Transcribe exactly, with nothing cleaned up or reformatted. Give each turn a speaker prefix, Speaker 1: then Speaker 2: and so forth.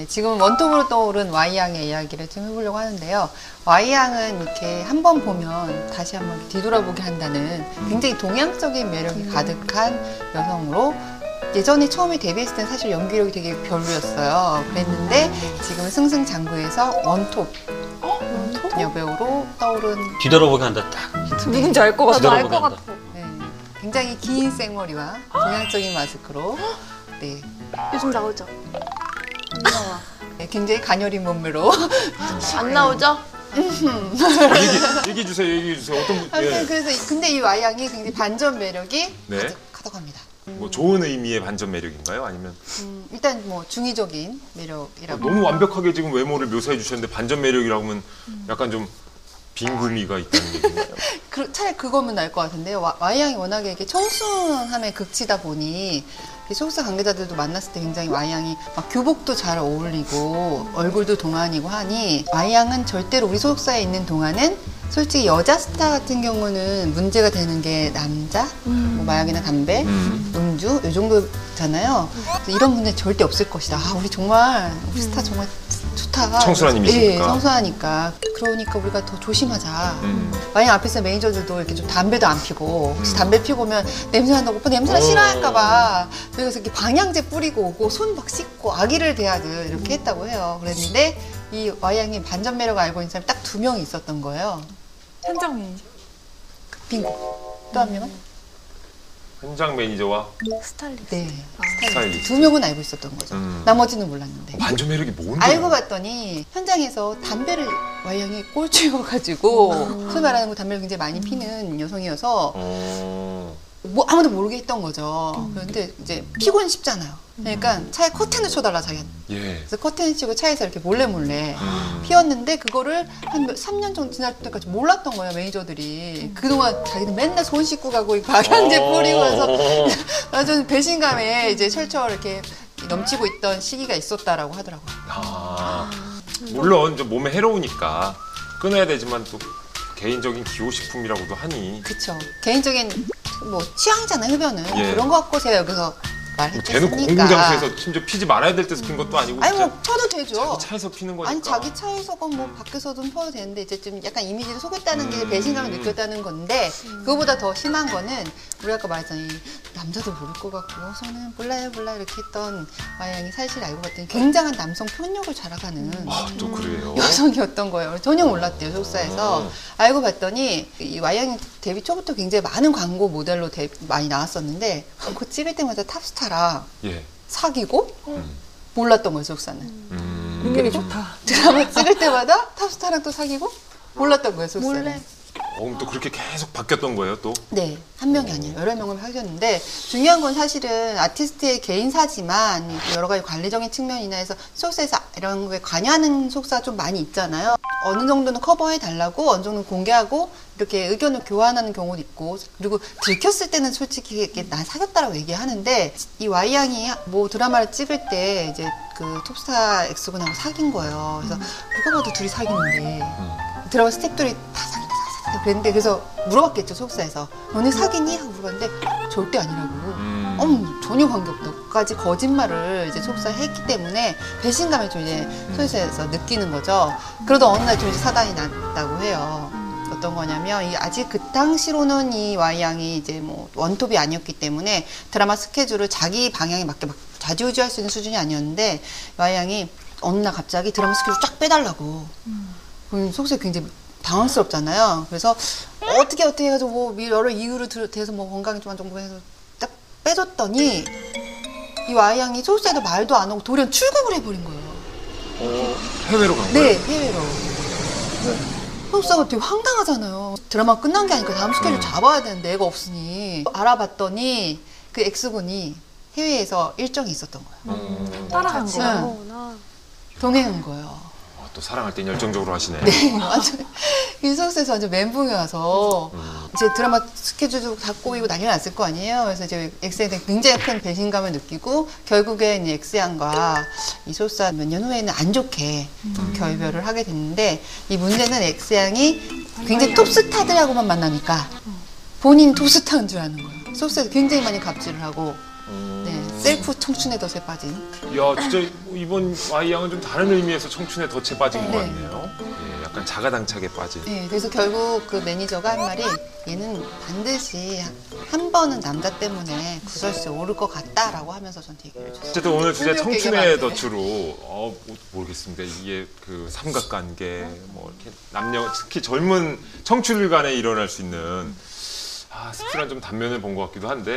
Speaker 1: 지금 원톱으로 떠오른 Y양의 이야기를 좀 해보려고 하는데요. Y양은 이렇게 한 번 보면 다시 한번 뒤돌아보게 한다는 굉장히 동양적인 매력이 가득한 여성으로, 예전에 처음에 데뷔했을 땐 사실 연기력이 되게 별로였어요. 그랬는데 지금은 승승장구해서 원톱 여배우로 떠오른.
Speaker 2: 뒤돌아보게 한다. 딱.
Speaker 3: 누군지 알 것 같아.
Speaker 2: 뒤돌아보게
Speaker 3: 알 것
Speaker 2: 한다.
Speaker 3: 같아.
Speaker 1: 네, 굉장히 긴 생머리와 동양적인 마스크로, 네,
Speaker 3: 요즘 나오죠? 안 나와.
Speaker 1: 네, 굉장히 가녀린 몸매로.
Speaker 3: 안 나오죠?
Speaker 4: 얘기, 얘기해 주세요. 얘기해 주세요. 어떤 분?
Speaker 1: 아무튼
Speaker 4: 예.
Speaker 1: 그래서 근데 이 Y양이 굉장히 반전 매력이
Speaker 4: 네.
Speaker 1: 가득하다고 합니다.
Speaker 4: 뭐 좋은 의미의 반전 매력인가요? 아니면
Speaker 1: 음, 일단 뭐 중의적인 매력이라고.
Speaker 4: 너무 완벽하게 지금 외모를 묘사해 주셨는데 반전 매력이라고 하면 약간 좀 빈구미가 있다는 얘기인가요?
Speaker 1: 그, 차라리 그거면 나을 것 같은데요. 와- Y양이 워낙에 이렇게 청순함에 극치다 보니 소속사 관계자들도 만났을 때 굉장히 Y양이 막 교복도 잘 어울리고 얼굴도 동안이고 하니, Y양은 절대로 우리 소속사에 있는 동안은 솔직히 여자 스타 같은 경우는 문제가 되는 게 남자, 뭐 마약이나 담배,
Speaker 4: 음.
Speaker 1: 음주 이 정도잖아요. 그래서 이런 문제 절대 없을 것이다. 아, 우리 정말 우리 스타 정말 좋다.
Speaker 4: 청순한 이미지니까.
Speaker 1: 예, 청순하니까. 그러니까 우리가 더 조심하자.
Speaker 4: 음.
Speaker 1: 만약 앞에서 매니저들도 이렇게 좀 담배도 안 피고, 혹시 담배 피고 오면 냄새 난다고 오빠 냄새나 싫어할까봐 그래서 이렇게 방향제 뿌리고 오고 손 막 씻고 아기를 대하듯 이렇게 했다고 해요. 그랬는데 이 Y양이 반전 매력을 알고 있는 사람이 딱 두 명이 있었던 거예요.
Speaker 3: 현장 매니저.
Speaker 1: 빙고. 또 한 명은?
Speaker 4: 현장 매니저와
Speaker 3: 스타일리스트.
Speaker 1: 네.
Speaker 4: 스타일리스트.
Speaker 1: 두 명은 알고 있었던 거죠.
Speaker 4: 음.
Speaker 1: 나머지는 몰랐는데.
Speaker 4: 반전 매력이 뭔데?
Speaker 1: 알고 봤더니 현장에서 담배를 Y양이 꼴찌여가지고, 소위 말하는 거 담배를 굉장히 많이 피는 여성이어서
Speaker 4: 어.
Speaker 1: 뭐 아무도 모르게 했던 거죠. 그런데 이제 피곤 쉽잖아요. 그러니까 차에 커튼을 쳐달라 자기한테.
Speaker 4: 예.
Speaker 1: 그래서 커튼을 치고 차에서 이렇게 몰래 몰래
Speaker 4: 음.
Speaker 1: 피웠는데 그거를 한 삼 년 정도 지날 때까지 몰랐던 거예요, 매니저들이. 그동안 자기는 맨날 손 씻고 가고 이 방향제
Speaker 4: 어.
Speaker 1: 뿌리고 해서 완전 배신감에 이제 철철 이렇게 넘치고 있던 시기가 있었다라고 하더라고요.
Speaker 4: 아. 물론 좀 몸에 해로우니까 끊어야 되지만 또 개인적인 기호식품이라고도 하니
Speaker 1: 그쵸. 개인적인 뭐 취향이잖아요, 흡연은.
Speaker 4: 예.
Speaker 1: 그런 거 갖고 제가 여기서
Speaker 4: 뭐 대놓고
Speaker 1: 말했겠습니까?
Speaker 4: 공공장소에서 심지어 피지 말아야 될 데서 핀 것도 아니고
Speaker 1: 아니
Speaker 4: 진짜
Speaker 1: 뭐 펴도 되죠.
Speaker 4: 자기 차에서 피는 거니까.
Speaker 1: 아니 자기 차에서건 뭐 밖에서든 펴도 되는데 이제 좀 약간 이미지를 속였다는 게
Speaker 4: 음.
Speaker 1: 배신감을 느꼈다는 건데, 그거보다 더 심한 거는 우리 아까 말했잖아요. 남자도 모를 것 같고 저는 몰라요 몰라 이렇게 했던 Y양이 사실 알고 봤더니 굉장한 남성 편력을 자랑하는
Speaker 4: 아, 또 그래요.
Speaker 1: 여성이었던 거예요. 전혀 몰랐대요, 소속사에서.
Speaker 4: 음.
Speaker 1: 알고 봤더니 이 Y양이 데뷔 초부터 굉장히 많은 광고 모델로 데, 많이 나왔었는데 광고 찍을 때마다 탑스타랑
Speaker 4: 예.
Speaker 1: 사귀고
Speaker 4: 음.
Speaker 1: 몰랐던 거예요, 소속사는.
Speaker 4: 음.
Speaker 3: 능력이 좋다.
Speaker 1: 드라마 찍을 때마다 탑스타랑 또 사귀고 몰랐던 거예요, 소속사는.
Speaker 3: 몰래.
Speaker 4: 어, 그럼 또 그렇게 계속 바뀌었던 거예요, 또?
Speaker 1: 네, 한 명이 아니에요. 여러 명을 사귀었는데, 중요한 건 사실은 아티스트의 개인사지만 여러 가지 관리적인 측면이나 해서 소속사에서 이런 거에 관여하는 소속사가 좀 많이 있잖아요. 어느 정도는 커버해 달라고, 어느 정도는 공개하고 이렇게 의견을 교환하는 경우도 있고, 그리고 들켰을 때는 솔직히 이렇게 난 사귀었다라고 얘기하는데, 이 Y양이 뭐 드라마를 찍을 때 이제 그 톱스타 엑스군하고 사귄 거예요. 그래서 누가 봐도 둘이 사귀는데 드라마 스태프들이 다 사귀다 사귀다 그랬는데, 그래서 물어봤겠죠, 소속사에서. 너네 사귀니? 하고 물어봤는데 절대 아니라고.
Speaker 4: 음.
Speaker 1: 음, 전혀 관계없다까지 거짓말을 이제 소속사에 했기 때문에 배신감을 좀 이제 소속사에서 느끼는 거죠. 그러다 어느 날 좀 이제 사단이 났다고 해요. 어떤 거냐면, 이 아직 그 당시로는 이 Y양이 이제 뭐 원톱이 아니었기 때문에 드라마 스케줄을 자기 방향에 맞게 막 좌지우지할 수 있는 수준이 아니었는데, Y양이 어느 날 갑자기 드라마 스케줄 쫙 빼달라고. 그럼 소속사에 굉장히 당황스럽잖아요. 그래서 어떻게 어떻게 해가지고 뭐 여러 이유를 대해서 뭐 건강이 좀 안 좋고 해서 딱 빼줬더니 이 Y양이 소속사에도 말도 안 하고 돌연 출국을 해버린 거예요.
Speaker 4: 어, 해외로 간
Speaker 1: 네,
Speaker 4: 거예요?
Speaker 1: 해외로. 소속사가 되게 황당하잖아요. 드라마 끝난 게 아니니까 다음 스케줄 잡아야 되는데 애가 없으니. 알아봤더니 그 X군이 해외에서 일정이 있었던 거예요.
Speaker 4: 음.
Speaker 3: 따라간
Speaker 1: 같이.
Speaker 3: 거야.
Speaker 1: 응. 동행한 거예요.
Speaker 4: 아, 또 사랑할 땐 열정적으로 하시네.
Speaker 1: 네, 완전 이 소속사에서 완전 멘붕이 와서
Speaker 4: 음.
Speaker 1: 이제 드라마 스케줄도 다 꼬이고 난리 났을 거 아니에요. 그래서 이제 엑스에 대해 굉장히 큰 배신감을 느끼고 결국엔 이 엑스양과 이 소속사 몇 년 후에는 안 좋게 음. 결별을 하게 됐는데, 이 문제는 엑스양이 굉장히 톱스타들하고만 만나니까 본인 톱스타인 줄 아는 거예요. 소속사에서 굉장히 많이 갑질을 하고
Speaker 4: 음.
Speaker 1: 네, 셀프 청춘의 덫에 빠진.
Speaker 4: 야, 진짜 이번 Y 양은 좀 다른 의미에서 청춘에 덫에 빠진
Speaker 1: 네.
Speaker 4: 것 같네요. 예, 약간 자가당착에 빠진.
Speaker 1: 네, 그래서 결국 그 매니저가 한 말이 얘는 반드시 한 번은 남자 때문에 구설수에 오를 것 같다라고 하면서 저한테 얘기를 해줬어요.
Speaker 4: 어쨌든 오늘 주제
Speaker 1: 설명
Speaker 4: 청춘의
Speaker 1: 얘기가 많네.
Speaker 4: 덫으로 어, 뭐, 모르겠습니다. 이게 그 삼각관계, 뭐 이렇게 남녀 특히 젊은 청춘들 간에 일어날 수 있는 아, 씁쓸한 좀 단면을 본 것 같기도 한데.